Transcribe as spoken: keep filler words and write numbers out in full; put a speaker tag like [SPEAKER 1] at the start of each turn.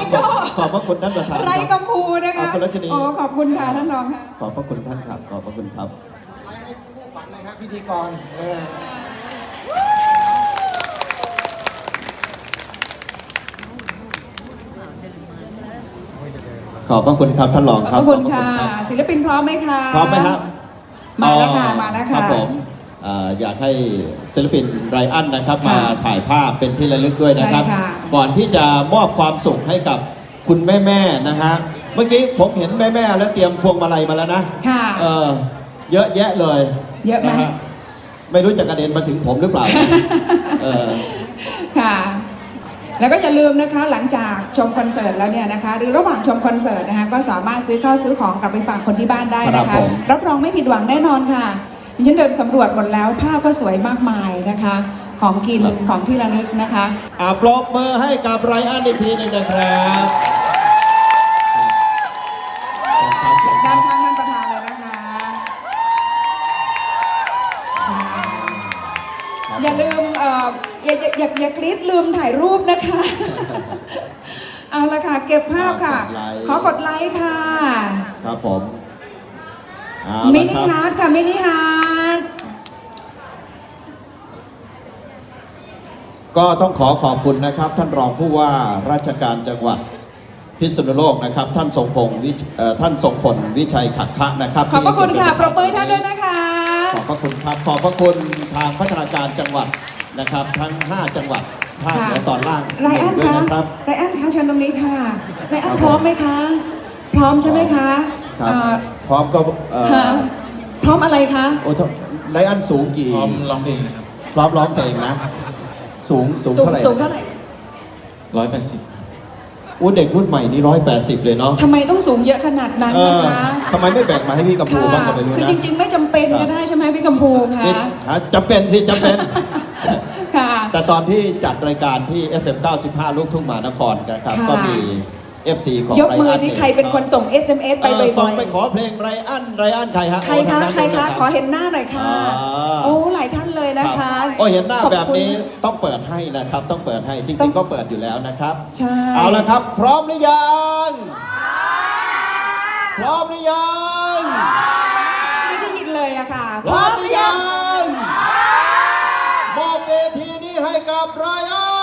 [SPEAKER 1] โจ้
[SPEAKER 2] ขอบพระคุณท่านประธาน
[SPEAKER 1] ไรกัมพูนะคะ
[SPEAKER 2] ขอบคุณรัชนี
[SPEAKER 1] โอ้ขอบคุณค่ะท่านรองค่ะ
[SPEAKER 2] ขอบพระคุณท่านครับขอบพระคุณครับ
[SPEAKER 3] ไลฟ์ให้ผู้ฝันเลยครับพิธีกรเออ
[SPEAKER 2] ขอบพระคุณครับท่านรอง
[SPEAKER 1] ข
[SPEAKER 2] ค
[SPEAKER 1] อ
[SPEAKER 2] รั
[SPEAKER 1] บบ คุณค่ะ
[SPEAKER 2] ขอบ
[SPEAKER 1] ศิลปินพร้อมไหมคะ
[SPEAKER 2] พร้อมไหมครับ
[SPEAKER 1] มาแล้วค่ะมาแล้ว
[SPEAKER 2] ครั
[SPEAKER 1] ค่ะ
[SPEAKER 2] บผมเอ่ออยากให้ศิลปินไรอันนะครับ
[SPEAKER 1] ค่ะ
[SPEAKER 2] มาถ่ายภาพเป็นที่ระลึกด้วยนะครับ
[SPEAKER 1] ใช่ค่ะ
[SPEAKER 2] ก่อนที่จะมอบความสุขให้กับคุณแม่ๆนะฮะเมื่อกี้ผมเห็นแม่ๆแล้วเตรียมพวงมาลัยมาแล้วนะ
[SPEAKER 1] ค่ะ
[SPEAKER 2] เออเยอะแยะเลย
[SPEAKER 1] เยอะไหม
[SPEAKER 2] นฮไม่รู้จะกระเด็นมาถึงผมหรือเปล่า เออ
[SPEAKER 1] ค่ะ แล้วก็อย่าลืมนะคะหลังจากชมคอนเสิร์ตแล้วเนี่ยนะคะ หรือระหว่างชมคอนเสิร์ตนะคะก็สามารถซื้อข้าวซื้อของกลับไปฝากคนที่บ้านได้นะ
[SPEAKER 2] ครั
[SPEAKER 1] คะ
[SPEAKER 2] บผม
[SPEAKER 1] รับรองไม่ผิดหวังแน่นอนค่ะดิฉันเดินสำรวจหมดแล้วภาพก็สวยมากมายนะคะ ของกินของที่ระลึกนะคะ
[SPEAKER 2] อ่าปรบมือให้กับไรอันอีกทีหนึงนะครับครับครับ
[SPEAKER 1] ด้านข้างท่านประธานเลยนะคะค่ะอย่าลืมเอ่ออย่าอย่าอย่าอย่ากรี๊ดลืมถ่ายรูปนะคะ เอาละค่ะ เก็บภาพค่ะ ขอกดไลค์ค่ะ
[SPEAKER 2] ครับผมเอา
[SPEAKER 1] มิ
[SPEAKER 2] ละ
[SPEAKER 1] นิ
[SPEAKER 2] ครับ
[SPEAKER 1] ฮาร์ดค่ะ มินิฮาร์ด
[SPEAKER 2] ก็ต้องขอขอบคุณนะครับ ท่านรองผู้ว่าราชการจังหวัดพิษณุโลกนะครับ ท่านทรงพงศ์วิเอ่อท่านทรงพลวิชัยขักคะนะครับ
[SPEAKER 1] ขอบพระคุณค่ะ
[SPEAKER 2] ที่
[SPEAKER 1] ปรบมือให้ท่านด้วยนะคะ
[SPEAKER 2] ขอบพระคุณครับขอบพระคุณทางพัฒนาการจังหวัดนะครับ ทั้ง ห้า จังหวัดภาคเหนือตอนล่าง
[SPEAKER 1] ไรอัน
[SPEAKER 2] ด้วย
[SPEAKER 1] คะ
[SPEAKER 2] นะครับ
[SPEAKER 1] ไรอันคะเชิญตรงนี้ค่ะไรอัน
[SPEAKER 2] ครับ
[SPEAKER 1] พร้อมไหมคะ พร้อมใช่ไหมคะ
[SPEAKER 2] ครับ
[SPEAKER 1] เอ่อ
[SPEAKER 2] พร้อมก็เอ่อ
[SPEAKER 1] ฮะพร้อมอะไรคะ
[SPEAKER 2] โอ้ไรอันสูงกี่
[SPEAKER 4] พร้อมร้องเพลงนะครับ
[SPEAKER 2] พร้อมร้องเพลงนะ สูงสูง
[SPEAKER 1] สูง
[SPEAKER 2] เท่าไหร่
[SPEAKER 1] สูงเท่าไหร่
[SPEAKER 4] ร้อยแปดสิบ
[SPEAKER 2] อู้เด็กรุ่นใหม่นี่ร้อยแปดสิบเลยเนาะ
[SPEAKER 1] ทำไมต้องสูงเยอะขนาดนั้น
[SPEAKER 2] เอ
[SPEAKER 1] นะ
[SPEAKER 2] อ
[SPEAKER 1] คะ
[SPEAKER 2] ทำไมไม่แบ่งมาให้พี่กัมพู
[SPEAKER 1] ค่ะ
[SPEAKER 2] บ้างก็ไม่รู้
[SPEAKER 1] คือ
[SPEAKER 2] นะ
[SPEAKER 1] จริง ๆ ไม่จำเป็นก็ได้ใช่ไหมพี่กัมพูคะ
[SPEAKER 2] นี่ฮะจำเป็นสิจำเป็น
[SPEAKER 1] ค่ะ
[SPEAKER 2] แต่ตอนที่จัดรายการที่ เอฟ เอ็ม เก้าสิบห้า ลูกทุ่งมหานครนะครับ
[SPEAKER 1] ค่ะ
[SPEAKER 2] ก็มี เอฟ ซี ของ
[SPEAKER 1] ยกมือ
[SPEAKER 2] ไรน
[SPEAKER 1] สิใครเป็นคนส่ง เอส เอ็ม เอส ไป
[SPEAKER 2] เออ
[SPEAKER 1] บ่
[SPEAKER 2] ส่
[SPEAKER 1] อง ย
[SPEAKER 2] ไปขอเพลงไรอันไรอันใครฮะ
[SPEAKER 1] ๆใคร
[SPEAKER 2] โอ้
[SPEAKER 1] คะ
[SPEAKER 2] ทางนั้น
[SPEAKER 1] ใคร
[SPEAKER 2] ด้วย
[SPEAKER 1] คะ
[SPEAKER 2] นบ
[SPEAKER 1] ขอเห็นหน้าหน่อยค่ะ
[SPEAKER 2] อ่า
[SPEAKER 1] โอ้หลายท่านเลยนะ
[SPEAKER 2] ครั
[SPEAKER 1] คะ
[SPEAKER 2] บโอ้เห็นหน้า
[SPEAKER 1] ขอบคุณ
[SPEAKER 2] แบบนี้ต้องเปิดให้นะครับ ต้องเปิดให้จ
[SPEAKER 1] ต้อ
[SPEAKER 2] ริ
[SPEAKER 1] ง
[SPEAKER 2] งๆก็เปิดอยู่แล้วนะครับ
[SPEAKER 1] ใช่
[SPEAKER 2] เอาละครับ พร้อมหรือยัง พร้อมหรือยัง
[SPEAKER 1] ไม่ได้ยินเลยอะค่ะ
[SPEAKER 2] พร้อมหรือยังมอบเวทีนี้ให้กับไรอัน